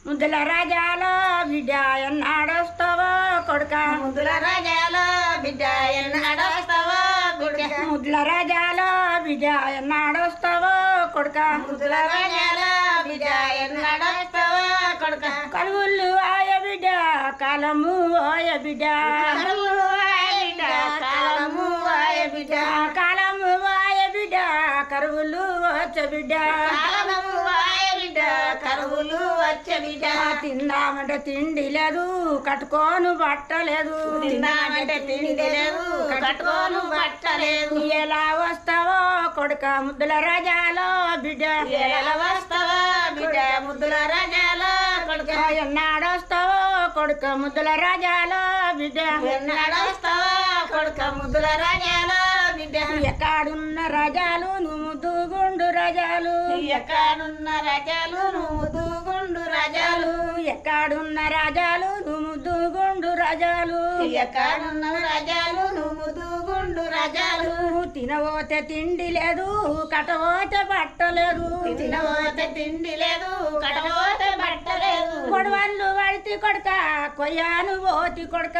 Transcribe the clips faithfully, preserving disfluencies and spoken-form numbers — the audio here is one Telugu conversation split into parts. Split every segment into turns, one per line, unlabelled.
ముద్దుల రాజాలో బిడ్డ ఎన్నాడొస్తావో కొడుక
ముద్దుల రాజాలో బిడ్డ ఎన్నాడొస్తావో కొడుక
ముద్దుల రాజాలో బిడ్డ ఎన్నాడొస్తావో కొడుక
ముద్దుల రాజాలో బిడ్డ ఎన్నాడొస్తావో కొడుక
కలువులు ఆయ బిడ్డ కాలము ఓయ బిడ్డ
కరువులు ఆయ బిడ్డ కాలము ఆయ బిడ్డ
కాలము ఆయ బిడ్డ కరువులు వచ్చ బిడ్డ
కాలము ఆయ బిడ్డ కరువులు వచ్చే బిడ్డ
తిందామంటే తిండి లేదు కట్టుకోను బట్టలేదు
తిందామంటే తిండి లేదు కట్టుకోను బట్టలేదు
ఎలా వస్తావో కొడుక ముద్దుల రాజాలో బిడ్డ
ఎలా వస్తావా బిడ్డ ముద్దుల రాజాలో కొడుక
ఎన్నాడొస్తావో కొడుక ముద్దుల రాజాలో బిడ్డ
ఎన్నాడొస్తావా కొడుక ముద్దుల రాజాలో బిడ్డ
ఎక్కడున్న రాజాలు నువ్వు ముద్దుగుండు రాజాలు
ఎక్కడున్న రాజాలు నువ్వు ముద్దుగుండు రాజాలు
ఎక్కడున్న రాజాలు నువ్వు ముద్దుగుండు రాజాలు
ఎక్కడున్న రాజాలు నువ్వు ముద్దుగుండు రాజాలు
తినబోతే తిండి లేదు కట్టబోతే బట్టలేదు
తినబోతే తిండి లేదు కట్టబోతే బట్ట లేదు
కొడవళ్ళు వడితి కొడక కొయ్యాను పోతి కొడక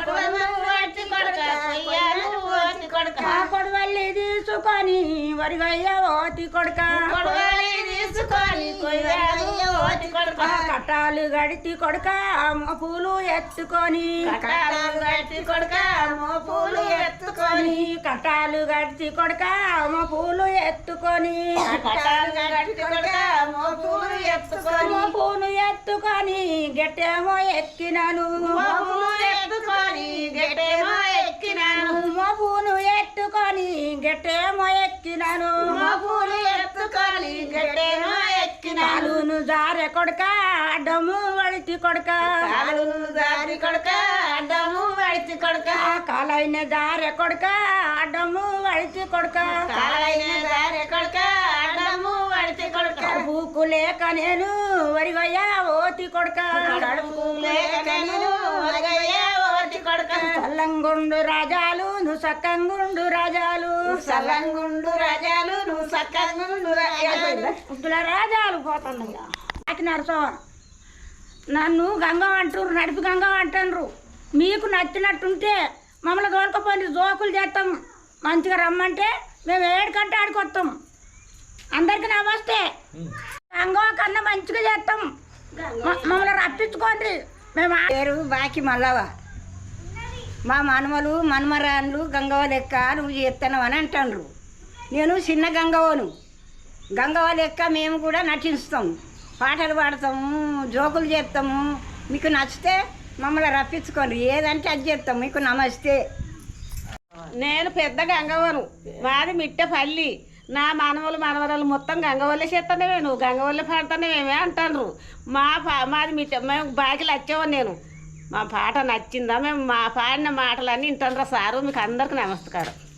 వచ్చి కొడక కొయ్యాలు ఓతి కొడక
కొడవల్లి తీసుకొని వరిగయ్య ఓతి కొడక
కొడవలి తీసుకొని కొయ్యాలు ఓతి కొడక
కట్టాలు గడితి కొడక పూలు ఎత్తుకొని
కట్టాలు గట్టి కొడక మోపులు ఎత్తుకొని
కట్టాలు గడిచి కొడక పూలు ఎత్తుకొని
కట్టాలు గట్టి కొడక మోపులు ఎత్తుకొని
పూలు ఎత్తుకొని గట్టేమో ఎక్కినాను
మోపులు ఎత్తుకొని గట్టేమో ఎక్కినాను
పూలు ఎత్తుకొని గట్టేమో ఎక్కినాను
మోపులు ఎత్తుకొని గట్టేమో ఎక్కినాను
కాలును జారె కొడక అడ్డము వడితి కొడక
కాలును దారి కొడక అడ్డము వడిచి కొడక
కాలైన జారె కొడక అడ్డము వడితి కొడక
కాలైన దారి కొడక అడ్డము వడిచి కొడక
కడుపుకు లేక నేను వరిగయ్యా ఓతి కొడక
కడుపు లేక నేను ఒరగయ్య ఓటి కొడక
సల్లంగుండు రాజాలు నువ్వు సక్కంగుండు రాజాలు
సల్లంగుండు రాజాలు నువ్వు సక్కంగుండు రాజాలు
ముద్దుల రాజాలు పోతున్నాయ్యా నాకు నరసో నన్ను గంగం అంటున్నారు నడిపి గంగం అంటున్నారు మీకు నచ్చినట్టుంటే మమ్మల్ని తోలుకపోయి జోకులు చేస్తాం మంచిగా రమ్మంటే మేము ఏడుకంటే ఆడుకొస్తాం అందరికి నమస్తే గంగం కన్నా మంచిగా చేస్తాం మ- మమ్మల్ని రప్పించుకోండి మేము ఆ-
పేరు బాకి మల్లవ మా మనమలు మనమరాన్లు గంగవ లెక్క నువ్వు చేస్తున్నావు అని అంటాండ్రు నేను చిన్న గంగవను గంగవ లెక్క మేము కూడా నటిస్తాం పాటలు పాడతాము జోకులు చేస్తాము మీకు నచ్చితే మమ్మల్ని రప్పించుకోండి ఏదంటే అది చేస్తాం మీకు నమస్తే
నేను పెద్ద గంగవను మాది మిట్టపల్లి నా మనవలు మనవరాలు మొత్తం గంగవల్లి చేస్తానే నువ్వు గంగవల్లి పాడుతానే మేమే అంటారు మా పా మాది మిట్ట మేము బాకిలు వచ్చావు నేను మా పాట నచ్చిందా మేము మా పాడిన మాటలన్నీ వింటారా సారు మీకు అందరికి నమస్కారం.